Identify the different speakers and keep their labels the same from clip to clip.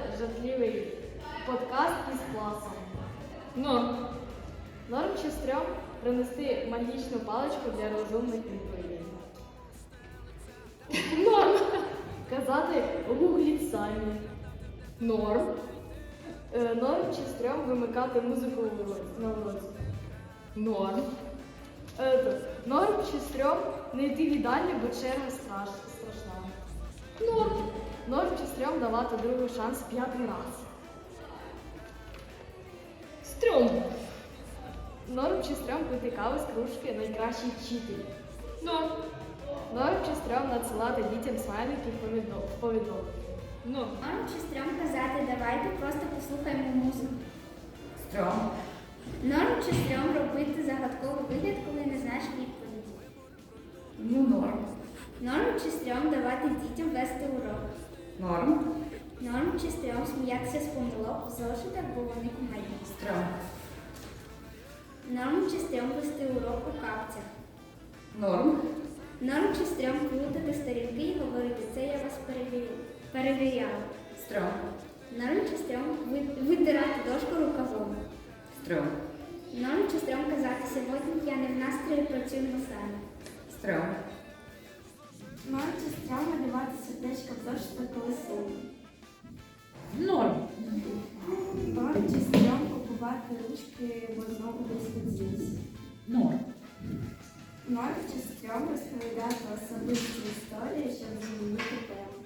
Speaker 1: жартливий подкаст із класом. Норм чи стрьом принести магічну паличку для розумних відповідей. Норм. Казати гугліть самі. Норм. Норм чи стрьом вимикати музику на уроці. Норм. Норм чи стрьом не йти в їдальню, бо черга страшна. Норм. Норм чи стрьом давати другий шанс 5-й раз. Стрьом. Норм чи стрьом пити каву з кружки найкращий вчитель. Норм. Норм чи стрьом надсилати дітям смайлики в повідомлення.
Speaker 2: Норм чи стрьом казати, давайте просто послухаємо музику.
Speaker 3: Стрьом.
Speaker 2: Норм чи стрьом робити загадковий вигляд, коли не знаєш відповіді.
Speaker 3: Норм.
Speaker 2: Норм чи стрьом давати дітям вести урок.
Speaker 3: Норм.
Speaker 2: Норм чи стрьом сміятися з помилок в зошитах, бо вони кумедні.
Speaker 3: Стрьом.
Speaker 2: Норм чи стрьом вести урок у капцях.
Speaker 3: Норм.
Speaker 2: Норм чи стрьом плутати сторінки і говорити, це я вас перевіряла.
Speaker 3: Стрьом.
Speaker 2: Норм чи стрьом витирати дошку рукавом.
Speaker 3: Стрьом.
Speaker 2: Норм чи стрьом казати, сьогодні я не в настрої, працюю на самі.
Speaker 3: Стрьом.
Speaker 2: Норм чи стрьом надавати сердечко в зошитах, коли сумно.
Speaker 3: Норм.
Speaker 2: Норм чи стрьом купувати ручки, бо знову десь поділися.
Speaker 3: Норм.
Speaker 2: Норм чи стрьом розповідати особисті історії, щоб змінити тему.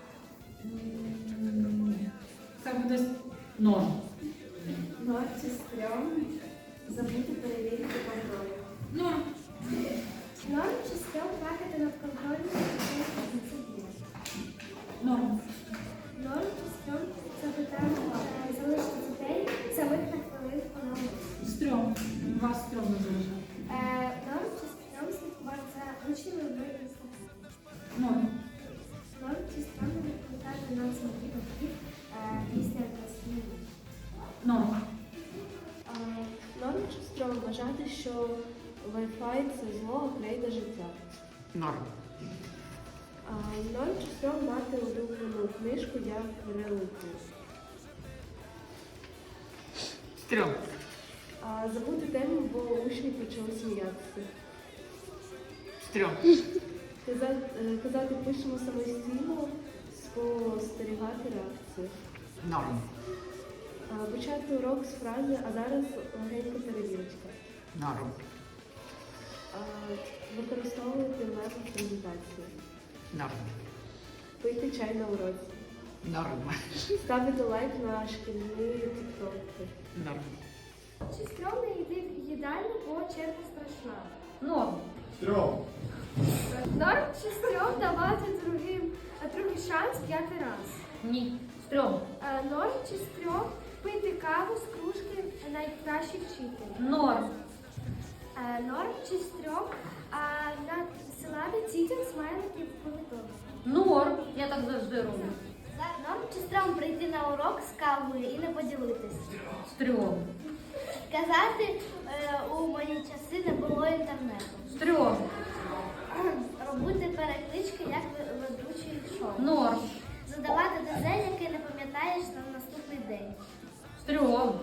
Speaker 3: Це буде норм.
Speaker 2: Норм чи стрьом забути перевірити контроль.
Speaker 3: Норм.
Speaker 2: Норм чи стрьом плакати над контролем і дисципліни.
Speaker 3: Норм.
Speaker 2: Норм чи стрьом запитати залишити дітей самих на хвилинку на уроці.
Speaker 3: Стрьом. Вас стрьом не залишає.
Speaker 2: Норм чи стрьом слідкувати за учнями в інстаграмі.
Speaker 3: Норм.
Speaker 2: Норм чи стрьом не відповідати нам самих батьків після класної.
Speaker 3: Норм.
Speaker 1: Норм чи стрьом вважати, що Wi-Fi – це зло, а крейда життя.
Speaker 3: Норм.
Speaker 1: Норм чи стрьом мати улюблену книжку як реліквію.
Speaker 3: Стрьом.
Speaker 1: Забути тему, бо учні почали сміятися.
Speaker 3: Стрьом.
Speaker 1: Казати пишемо самостійно, спостерігати реакцію.
Speaker 3: Норм.
Speaker 1: Почати урок з фрази, а зараз легенька перевірочка.
Speaker 3: Норм.
Speaker 1: Використовувати меми в презентації.
Speaker 3: Норм.
Speaker 1: Пити чай на уроці.
Speaker 3: Норм.
Speaker 1: Ставити лайк на шкільні тіктоки.
Speaker 3: Норм.
Speaker 2: Чи стрьом не йти в їдальню, бо черга страшна?
Speaker 3: Норм.
Speaker 4: Стрьом.
Speaker 2: Норм чи стрьом давати другий шанс 5-й раз?
Speaker 3: Ні. Стрьом.
Speaker 2: Норм чи стрьом пити каву з кружки найкращий вчитель?
Speaker 3: Норм.
Speaker 2: Норм чи стрьом надсилати дітям смайликів в повідомлення?
Speaker 3: Норм. Я так завжди роблю.
Speaker 2: Норм чи стрьом прийти на урок з кавою і не поділитися?
Speaker 3: Стрьом.
Speaker 2: Казати, у мої часи не було інтернету.
Speaker 3: Стрьом.
Speaker 2: Робити переклички, як ведучий шоу.
Speaker 3: Норм.
Speaker 2: Задавати ДЗ, який не пам'ятаєш на наступний день.
Speaker 3: Стрьом.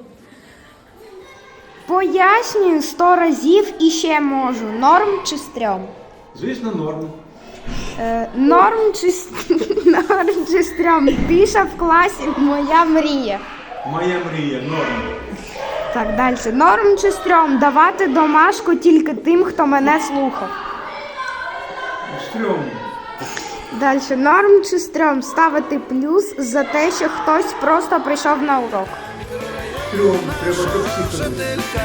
Speaker 5: Пояснюю 100 разів і ще можу. Норм чи стрьом?
Speaker 4: Звісно, норм.
Speaker 5: Норм чи норм чи стрьом? Тиша в класі моя мрія.
Speaker 4: Моя мрія, норм.
Speaker 5: Так, далі. Норм чи стрьом? Давати домашку тільки тим, хто мене слухав.
Speaker 4: Стрьом.
Speaker 5: Далі. Норм чи стрьом? Ставити плюс за те, що хтось просто прийшов на урок.
Speaker 4: Стрьом. Треба щоб всі ходили.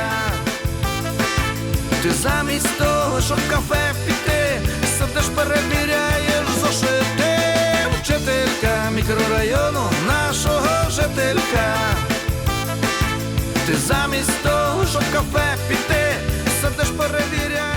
Speaker 6: Ти замість того, щоб в кафе піти, сидиш, перевіряєш зошити. Вчителька мікрорайону нашого жителька. Ти замість того, щоб в кафе піти, сидиш, перевіряєш.